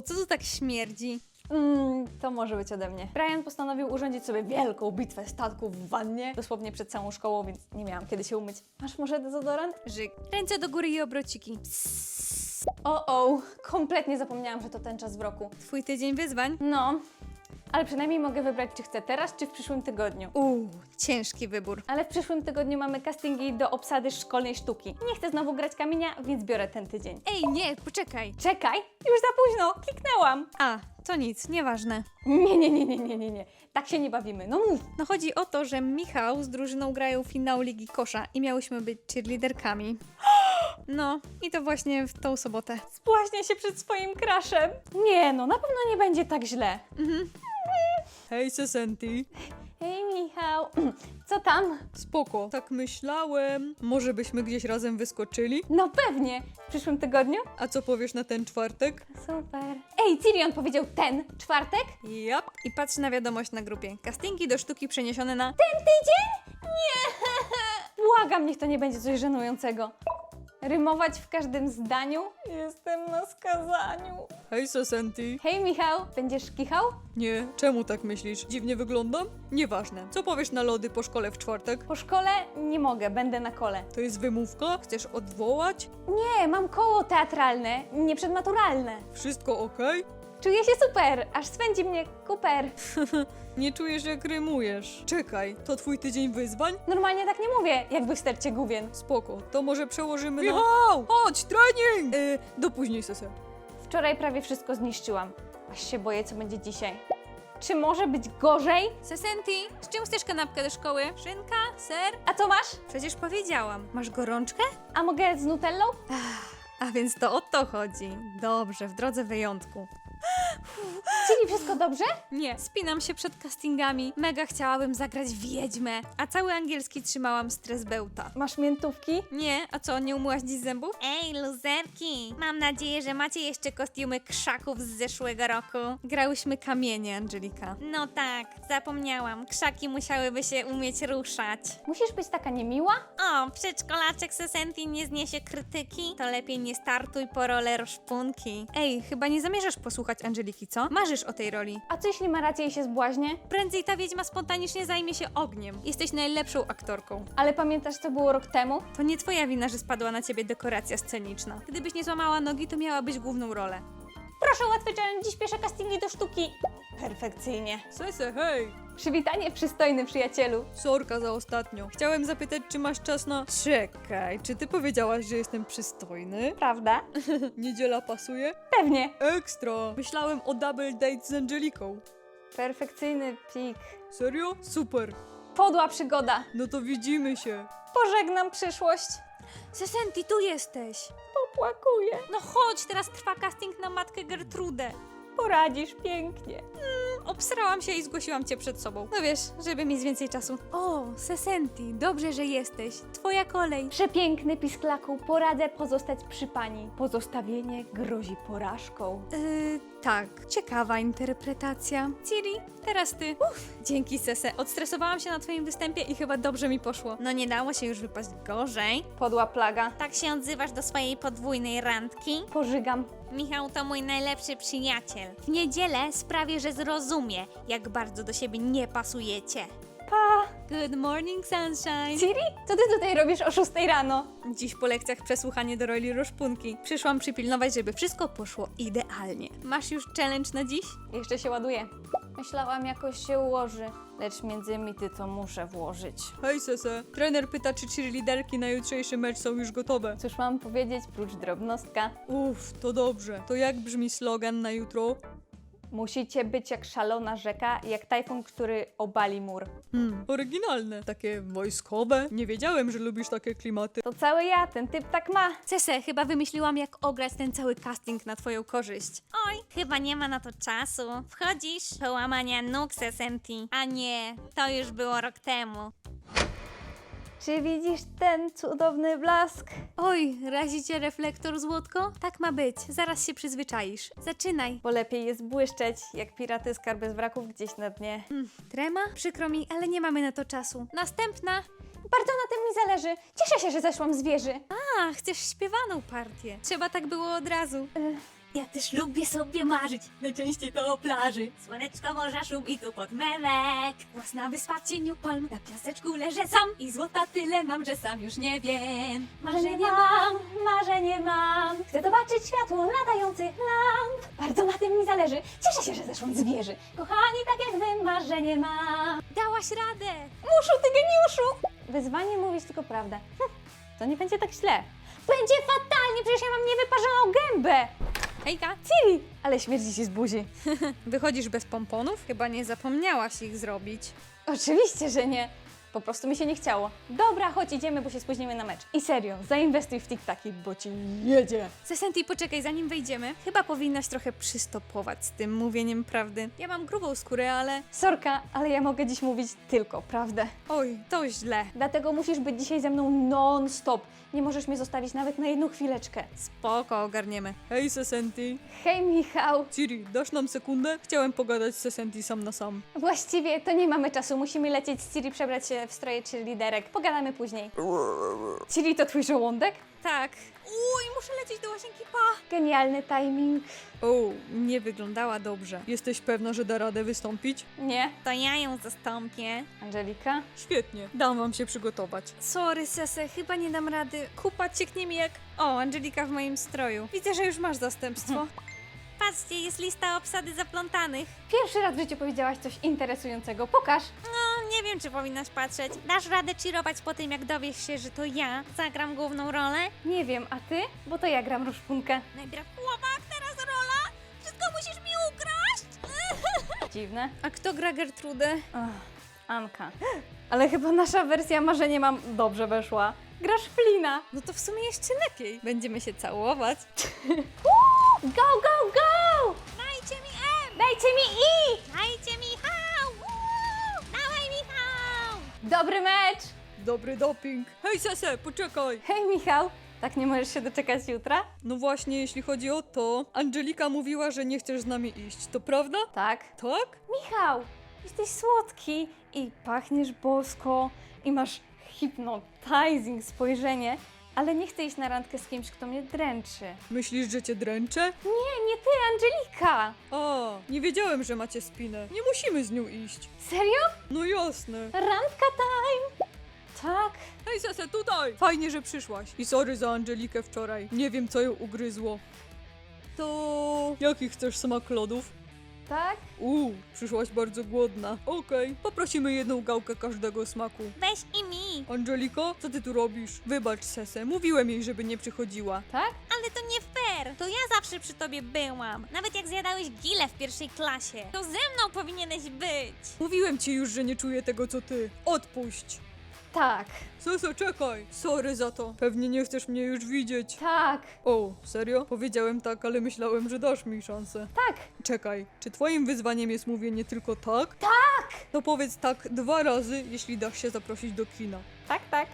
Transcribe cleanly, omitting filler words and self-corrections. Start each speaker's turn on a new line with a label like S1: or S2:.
S1: co tu tak śmierdzi?
S2: To może być ode mnie. Brian postanowił urządzić sobie wielką bitwę statków w wannie, dosłownie przed całą szkołą, więc nie miałam kiedy się umyć. Masz może dezodorant?
S1: Żyk. Ręce do góry i obrociki.
S2: Kompletnie zapomniałam, że to ten czas w roku.
S1: Twój tydzień wyzwań?
S2: No, ale przynajmniej mogę wybrać, czy chcę teraz, czy w przyszłym tygodniu.
S1: Ciężki wybór.
S2: Ale w przyszłym tygodniu mamy castingi do obsady szkolnej sztuki. Nie chcę znowu grać kamienia, więc biorę ten tydzień.
S1: Ej, nie, poczekaj.
S2: Czekaj, już za późno, kliknęłam.
S1: A, to nic, nieważne.
S2: Nie. Tak się nie bawimy, no mów.
S1: No chodzi o to, że Michał z drużyną grają finał Ligi Kosza i miałyśmy być cheerleaderkami. No, i to właśnie w tą sobotę.
S2: Spłaśnie się przed swoim crushem. Nie no, na pewno nie będzie tak źle.
S1: Hej, Sesenti.
S2: Hej Michał, co tam?
S1: Spoko. Tak myślałem. Może byśmy gdzieś razem wyskoczyli?
S2: No pewnie, w przyszłym tygodniu?
S1: A co powiesz na ten czwartek?
S2: Super. Ej, Tyrion powiedział ten czwartek?
S1: Jap. I patrz na wiadomość na grupie. Castingi do sztuki przeniesione na...
S2: Ten tydzień? Nie! Błagam, niech to nie będzie coś żenującego. Rymować w każdym zdaniu? Jestem na skazaniu.
S1: Hej, Sesenti.
S2: Hej Michał, będziesz kichał?
S1: Nie, czemu tak myślisz? Dziwnie wyglądam? Nieważne. Co powiesz na lody po szkole w czwartek?
S2: Po szkole nie mogę, będę na kole.
S1: To jest wymówka? Chcesz odwołać?
S2: Nie, mam koło teatralne, nie przedmaturalne.
S1: Wszystko okej?
S2: Czuję się super, aż swędzi mnie kuper.
S1: Nie czujesz jak rymujesz. Czekaj, to twój tydzień wyzwań?
S2: Normalnie tak nie mówię, jakby w stercie gówien.
S1: Spoko, to może przełożymy na... Michał! Chodź, trening! Do później, Sese.
S2: Wczoraj prawie wszystko zniszczyłam. Aż się boję, co będzie dzisiaj. Czy może być gorzej?
S1: Sesenti, z czym chcesz kanapkę do szkoły? Szynka? Ser?
S2: A co masz?
S1: Przecież powiedziałam. Masz gorączkę?
S2: A mogę z nutellą?
S1: A więc to o to chodzi. Dobrze, w drodze wyjątku.
S2: Czyli wszystko dobrze?
S1: Nie, spinam się przed castingami. Mega chciałabym zagrać wiedźmę, a cały angielski trzymałam stres bełta.
S2: Masz miętówki?
S1: Nie, a co, nie umyłaś dziś zębów? Ej, luzerki! Mam nadzieję, że macie jeszcze kostiumy krzaków z zeszłego roku. Grałyśmy kamienie, Angelika. No tak, zapomniałam. Krzaki musiałyby się umieć ruszać.
S2: Musisz być taka niemiła?
S1: O, przedszkolaczek Sesenti nie zniesie krytyki? To lepiej nie startuj po rolę rozpunki. Ej, chyba nie zamierzasz posłuchać Angeliki, co? Marzysz o tej roli.
S2: A co jeśli ma rację i się zbłaźnie?
S1: Prędzej ta wiedźma spontanicznie zajmie się ogniem. Jesteś najlepszą aktorką.
S2: Ale pamiętasz, co było rok temu?
S1: To nie twoja wina, że spadła na ciebie dekoracja sceniczna. Gdybyś nie złamała nogi, to miałabyś główną rolę.
S2: Proszę łatwy challenge, dziś pierwsze castingi do sztuki. Perfekcyjnie.
S1: Sese, hej!
S2: Przywitanie, przystojny przyjacielu.
S1: Sorka za ostatnio. Chciałem zapytać, czy masz czas na... Czekaj, czy ty powiedziałaś, że jestem przystojny?
S2: Prawda?
S1: Niedziela pasuje?
S2: Pewnie.
S1: Ekstra! Myślałem o double date z Angeliką.
S2: Perfekcyjny pik.
S1: Serio? Super.
S2: Podła przygoda.
S1: No to widzimy się.
S2: Pożegnam przyszłość.
S1: Sesenti, tu jesteś.
S2: Popłakuję.
S1: No chodź, teraz trwa casting na matkę Gertrudę.
S2: Poradzisz pięknie.
S1: Obsrałam się i zgłosiłam cię przed sobą. No wiesz, żeby mieć więcej czasu. O, Sesenti, dobrze, że jesteś. Twoja kolej.
S2: Przepiękny pisklaku, poradzę pozostać przy pani. Pozostawienie grozi porażką.
S1: Tak, ciekawa interpretacja. Ciri, teraz ty. Dzięki, Sese. Odstresowałam się na twoim występie i chyba dobrze mi poszło. No nie dało się już wypaść gorzej.
S2: Podła plaga.
S1: Tak się odzywasz do swojej podwójnej randki?
S2: Pożygam.
S1: Michał to mój najlepszy przyjaciel. W niedzielę sprawię, że zrozumie, jak bardzo do siebie nie pasujecie.
S2: Pa!
S1: Good morning, sunshine.
S2: Ciri, co ty tutaj robisz o 6 rano?
S1: Dziś po lekcjach przesłuchanie do roli Roszpunki. Przyszłam przypilnować, żeby wszystko poszło idealnie. Masz już challenge na dziś?
S2: Jeszcze się ładuje. Myślałam, jakoś się ułoży, lecz między mity to muszę włożyć.
S1: Hej, Sese. Trener pyta, czy cheerleaderki na jutrzejszy mecz są już gotowe.
S2: Cóż mam powiedzieć, prócz drobnostka?
S1: To dobrze. To jak brzmi slogan na jutro?
S2: Musicie być jak szalona rzeka, jak tajfun, który obali mur.
S1: Oryginalne. Takie wojskowe. Nie wiedziałem, że lubisz takie klimaty.
S2: To cały ja, ten typ tak ma.
S1: Cese, chyba wymyśliłam, jak ograć ten cały casting na twoją korzyść. Oj, chyba nie ma na to czasu. Wchodzisz? Połamania nóg, Sesenti. A nie, to już było rok temu.
S2: Czy widzisz ten cudowny blask?
S1: Oj, razi cię reflektor, złotko? Tak ma być, zaraz się przyzwyczaisz. Zaczynaj.
S2: Bo lepiej jest błyszczeć, jak piraty skarby z wraków gdzieś na dnie.
S1: Trema? Przykro mi, ale nie mamy na to czasu. Następna.
S2: Bardzo na tym mi zależy. Cieszę się, że zeszłam z wieży.
S1: A, chcesz śpiewaną partię. Trzeba tak było od razu. Ja też lubię sobie marzyć, najczęściej to o plaży. Słoneczko, morza, szum i tupot memek. Własna wyspa w cieniu palm, na piaseczku leżę sam. I złota tyle mam, że sam już nie wiem.
S2: Marzenie mam. Chcę zobaczyć światło latających lamp. Bardzo na tym mi zależy. Cieszę się, że zeszłam z wieży. Kochani, tak jak wy, marzenie mam.
S1: Dałaś radę!
S2: Muszu, ty geniuszu! Wyzwanie mówić tylko prawdę. To nie będzie tak źle. Będzie fatalnie, przecież ja mam niewyparzoną gębę.
S1: Hejka!
S2: Ciri! Ale śmierdzi ci z buzi.
S1: Wychodzisz bez pomponów? Chyba nie zapomniałaś ich zrobić.
S2: Oczywiście, że nie. Po prostu mi się nie chciało. Dobra, chodź idziemy, bo się spóźnimy na mecz. I serio, zainwestuj w tiktaki, bo ci jedzie.
S1: Sesenti, poczekaj, zanim wejdziemy. Chyba powinnaś trochę przystopować z tym mówieniem prawdy. Ja mam grubą skórę, ale...
S2: Sorka, ale ja mogę dziś mówić tylko prawdę.
S1: Oj, to źle.
S2: Dlatego musisz być dzisiaj ze mną non-stop. Nie możesz mnie zostawić nawet na jedną chwileczkę.
S1: Spoko, ogarniemy. Hej, Sesenti.
S2: Hej, Michał.
S1: Ciri, dasz nam sekundę? Chciałem pogadać z Sesenti sam na sam.
S2: Właściwie to nie mamy czasu. Musimy lecieć z Ciri, przebrać się w stroje cheerleaderek. Pogadamy później. Ciri, to twój żołądek?
S1: Tak. Uj, muszę lecieć do łazienki, pa!
S2: Genialny timing.
S1: O, nie wyglądała dobrze. Jesteś pewna, że da radę wystąpić?
S2: Nie.
S1: To ja ją zastąpię.
S2: Angelika?
S1: Świetnie, dam wam się przygotować. Sorry, Sese, chyba nie dam rady. Kupa cieknie mi jak... O, Angelika w moim stroju. Widzę, że już masz zastępstwo. Patrzcie, jest lista obsady zaplątanych.
S2: Pierwszy raz w życiu powiedziałaś coś interesującego. Pokaż.
S1: No, nie wiem, czy powinnaś patrzeć. Dasz radę cheerować po tym, jak dowiesz się, że to ja zagram główną rolę?
S2: Nie wiem, a ty? Bo to ja gram Różpunkę.
S1: Najpierw chłopak, teraz rola. Wszystko musisz mi ukraść.
S2: Dziwne.
S1: A kto gra Gertrudę?
S2: Anka. Ale chyba nasza wersja marzenie mam dobrze weszła. Grasz Flina.
S1: No to w sumie jeszcze lepiej. Będziemy się całować.
S2: Go, go, go!
S1: Dajcie mi M!
S2: Dajcie mi I!
S1: Dajcie Michał! Dawaj Michał!
S2: Dobry mecz!
S1: Dobry doping. Hej Sese, poczekaj.
S2: Hej Michał, tak nie możesz się doczekać jutra?
S1: No właśnie, jeśli chodzi o to, Angelika mówiła, że nie chcesz z nami iść. To prawda?
S2: Tak.
S1: Tak?
S2: Michał, jesteś słodki i pachniesz bosko i masz hypnotizing spojrzenie, ale nie chcę iść na randkę z kimś, kto mnie dręczy.
S1: Myślisz, że cię dręczę?
S2: Nie ty, Angelika!
S1: A, nie wiedziałem, że macie spinę. Nie musimy z nią iść.
S2: Serio?
S1: No jasne.
S2: Randka time! Tak?
S1: Hej Sese, tutaj! Fajnie, że przyszłaś. I sorry za Angelikę wczoraj. Nie wiem, co ją ugryzło. To... Jaki chcesz smak lodów?
S2: Tak?
S1: Przyszłaś bardzo głodna. Okej, poprosimy jedną gałkę każdego smaku.
S3: Weź i mi,
S1: Angeliko, co ty tu robisz? Wybacz Sese, mówiłem jej, żeby nie przychodziła.
S2: Tak?
S3: ale to nie fair. To ja zawsze przy tobie byłam. Nawet jak zjadałeś gile w pierwszej klasie. To ze mną powinieneś być.
S1: Mówiłem ci już, że nie czuję tego, co ty. Odpuść.
S2: Tak.
S1: Sese, czekaj. Sorry za to. Pewnie nie chcesz mnie już widzieć.
S2: Tak.
S1: O, serio? Powiedziałem tak, ale myślałem, że dasz mi szansę.
S2: Tak.
S1: Czekaj, czy twoim wyzwaniem jest mówienie tylko tak?
S2: Tak!
S1: To powiedz tak 2 razy, jeśli dasz się zaprosić do kina.
S2: Tak, tak.